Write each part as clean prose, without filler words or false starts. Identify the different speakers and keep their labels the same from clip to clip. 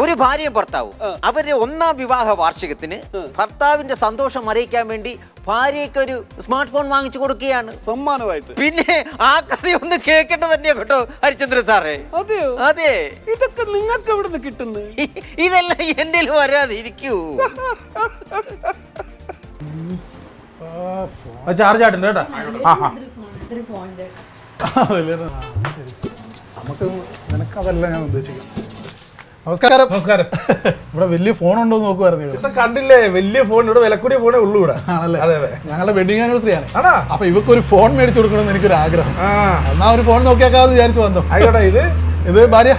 Speaker 1: ഒരു ഭാര്യയും ഭർത്താവും അവരുടെ ഒന്നാം വിവാഹ വാർഷികത്തിന് ഭർത്താവിന്റെ സന്തോഷം അറിയിക്കാൻ വേണ്ടി ഭാര്യയ്ക്ക് ഒരു സ്മാർട്ട് ഫോൺ വാങ്ങിച്ചു കൊടുക്കുകയാണ്
Speaker 2: സമ്മാനമായിട്ട്.
Speaker 1: പിന്നെ ആ കഥയൊന്ന് കേൾക്കേണ്ടത് തന്നെയാ കേട്ടോ ഹരിചന്ദ്രൻ സാറേ.
Speaker 2: അതെയോ?
Speaker 1: അതെ.
Speaker 2: ഇതൊക്കെ നിങ്ങൾക്ക് എവിടെ നിന്ന് കിട്ടുന്നു?
Speaker 1: ഇതെല്ലാം എന്റെ വരാതെ ഇരിക്കൂ.
Speaker 3: ചാർജ് ആയിട്ടുണ്ട് കേട്ടോ.
Speaker 4: നമുക്ക് നിനക്കതല്ല ഞാൻ ഉദ്ദേശിക്കാം. നമസ്കാരം.
Speaker 3: നമസ്കാരം.
Speaker 4: ഇവിടെ വലിയ ഫോൺ ഉണ്ടോ എന്ന് നോക്കുവായിരുന്നു.
Speaker 3: കണ്ടില്ലേ, വലിയ ഫോൺ, ഇവിടെ വിലക്കൂടിയ ഫോണേ ഉള്ളൂ ഇവിടെ.
Speaker 4: ആണല്ലേ?
Speaker 3: അതെ അതെ.
Speaker 4: ഞങ്ങളുടെ വെഡിങ് ആനിവേഴ്സറി ആണ്.
Speaker 3: ആണോ?
Speaker 4: അപ്പൊ ഇവക്ക് ഒരു ഫോൺ മേടിച്ചു കൊടുക്കണമെന്ന് എനിക്കൊരു ആഗ്രഹം. എന്നാ ഒരു ഫോൺ നോക്കിയാക്കാന്ന് വിചാരിച്ചു വന്നു.
Speaker 3: ആയിക്കോട്ടെ.
Speaker 4: ഇത് ഭാര്യ.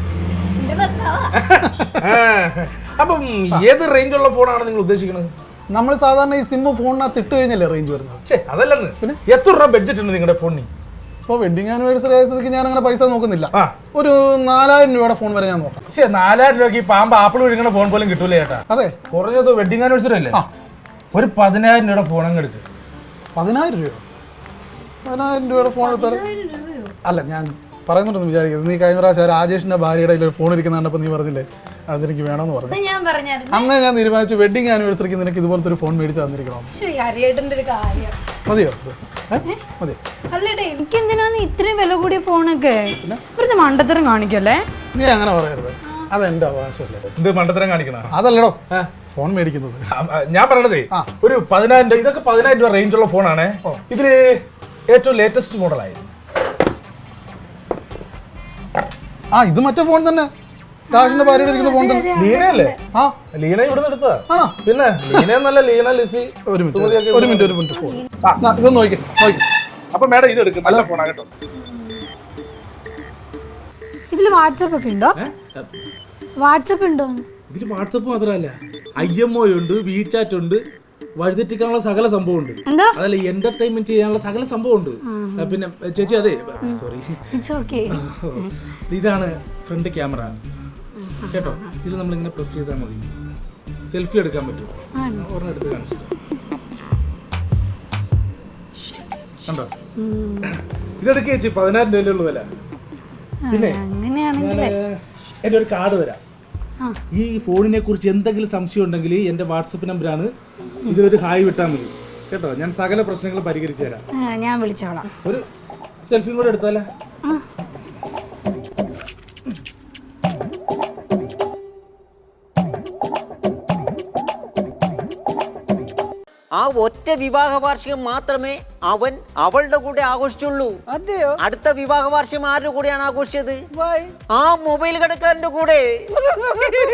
Speaker 3: അപ്പം ഏത് റേഞ്ചുള്ള ഫോണാണ് നിങ്ങൾ ഉദ്ദേശിക്കുന്നത്?
Speaker 4: നമ്മൾ സാധാരണ ഈ സിം ഫോണിനകത്ത് ഇട്ട് കഴിഞ്ഞല്ലേ റേഞ്ച് വരുന്നത്.
Speaker 3: അതല്ലെന്ന്. പിന്നെ എത്ര രൂപ ബഡ്ജറ്റ് ഉണ്ട് നിങ്ങളുടെ ഫോണിന്?
Speaker 4: ഇപ്പോൾ വെഡിങ് ആനിവേഴ്സറി ആയ സ്ഥിതിക്ക് ഞാൻ അങ്ങനെ പൈസ നോക്കുന്നില്ല. ഒരു 4000 രൂപയുടെ ഫോൺ വരെ ഞാൻ നോക്കാം.
Speaker 3: 4000 രൂപയ്ക്ക് ഈ പാമ്പ് ആപ്പിൾ ഒഴുകുന്ന ഫോൺ പോലും കിട്ടൂല ചേട്ടാ.
Speaker 4: അതെ,
Speaker 3: കുറഞ്ഞത് വെഡിങ് ആനിവേഴ്സറി അല്ലേ, ഒരു 10000 രൂപയുടെ ഫോൺ അങ്ങ് എടുക്കും.
Speaker 4: 10000 രൂപ? 10000 രൂപയുടെ ഫോൺ എടുത്താൽ അല്ല, ഞാൻ പറയുന്നുണ്ടെന്ന് വിചാരിക്കുന്നത്. നീ കഴിഞ്ഞ പ്രാവശ്യം രാജേഷിന്റെ ഭാര്യയുടെ ഒരു ഫോൺ ഇരിക്കുന്ന കണ്ടപ്പോൾ നീ പറഞ്ഞില്ലേ അതെനിക്ക് വേണമെന്ന് പറഞ്ഞു. അന്ന് ഞാൻ തീരുമാനിച്ചു വെഡിങ് ആനിവേഴ്സറിക്ക് നിനക്ക് ഇതുപോലത്തെ ഒരു ഫോൺ മേടിച്ച് തന്നിരിക്കണം. മതിയോ? മതി.
Speaker 5: എനിക്ക് എന്തിനാണ് ഇത്രയും വില കൂടിയ ഫോണൊക്കെ? വെറുതെ മണ്ടത്തരം കാണിക്കല്ലേ.
Speaker 4: നീ അങ്ങനെ പറയരുത്, അതെന്റെ അവകാശമല്ലേ.
Speaker 3: എന്ത് മണ്ടത്തരം കാണിക്കണം?
Speaker 4: അതല്ലടോ ഫോൺ മേടിക്കുന്നത്.
Speaker 3: ഞാൻ പറയണതേ ഒരു 10000 രൂപ, ഇതൊക്കെ 10000 രൂപ റേഞ്ചുള്ള ഫോണാണ്. ഇതില് ഏറ്റവും ലേറ്റസ്റ്റ് മോഡലായിരുന്നു.
Speaker 4: ഇത് മറ്റേ ഫോൺ തന്നെ, രാജന്റെ ഭാര്യയുടെ ഇരിക്കുന്ന ഫോൺ തന്നെ.
Speaker 3: ലീനയല്ലേ? ലീന ഇവിടുന്ന് എടുത്തതാ. പിന്നെ ലീന എന്നല്ല, ലീന ലിസി.
Speaker 4: ഒരു മിനിറ്റ് ഫോൺ ഇതൊന്ന് നോക്കി.
Speaker 3: അപ്പൊ മാഡം ഇത് എടുക്കും, നല്ല ഫോണാ കേട്ടോ.
Speaker 5: ഇതില് വാട്സാപ്പ് ഒക്കെ ഉണ്ടോ? വാട്സാപ്പ് ഉണ്ടോ?
Speaker 3: ഇതില് വാട്സാപ്പ് മാത്രമല്ല, IMO ഉണ്ട്, WeChat ഉണ്ട്, വഴിതെറ്റിക്കാനുള്ള സകല സംഭവം ഉണ്ട്. അതല്ല, എന്റർടൈൻമെന്റ് ചെയ്യാനുള്ള സകല സംഭവം ഉണ്ട്. പിന്നെ ചേച്ചി, അതെ സോറി, ഇതാണ് ഫ്രണ്ട് ക്യാമറ കേട്ടോ. ഇത് നമ്മളിങ്ങനെ പ്രസ് ചെയ്താൽ മതി, സെൽഫി എടുക്കാൻ പറ്റും. ഒരെണ്ണം എടുത്ത് കാണിച്ചു കണ്ടോ? ഇതെടുക്കുക ചേച്ചി, 10000 രൂപയിലുള്ള വില. പിന്നെ എൻ്റെ ഒരു കാർഡ് തരാം. ഈ ഫോണിനെ കുറിച്ച് എന്തെങ്കിലും സംശയം ഉണ്ടെങ്കിൽ എൻ്റെ വാട്സപ്പ് നമ്പറാണ്, ഇതിലൊരു ഹായ് വിട്ടാൽ മതി കേട്ടോ. ഞാൻ സകല പ്രശ്നങ്ങൾ പരിഹരിച്ചു തരാം.
Speaker 5: ഞാൻ വിളിച്ചോളാം.
Speaker 3: ഒരു സെൽഫിയും കൂടെ എടുത്താലേ?
Speaker 1: ആ ഒറ്റ വിവാഹ വാർഷികം മാത്രമേ അവൻ അവളുടെ കൂടെ ആഘോഷിച്ചുള്ളൂ.
Speaker 2: അതെയോ?
Speaker 1: അടുത്ത വിവാഹ വാർഷികം ആരുടെ കൂടെയാണ് ആഘോഷിച്ചത്? ആ മൊബൈൽ കടക്കാരന്റെ കൂടെ.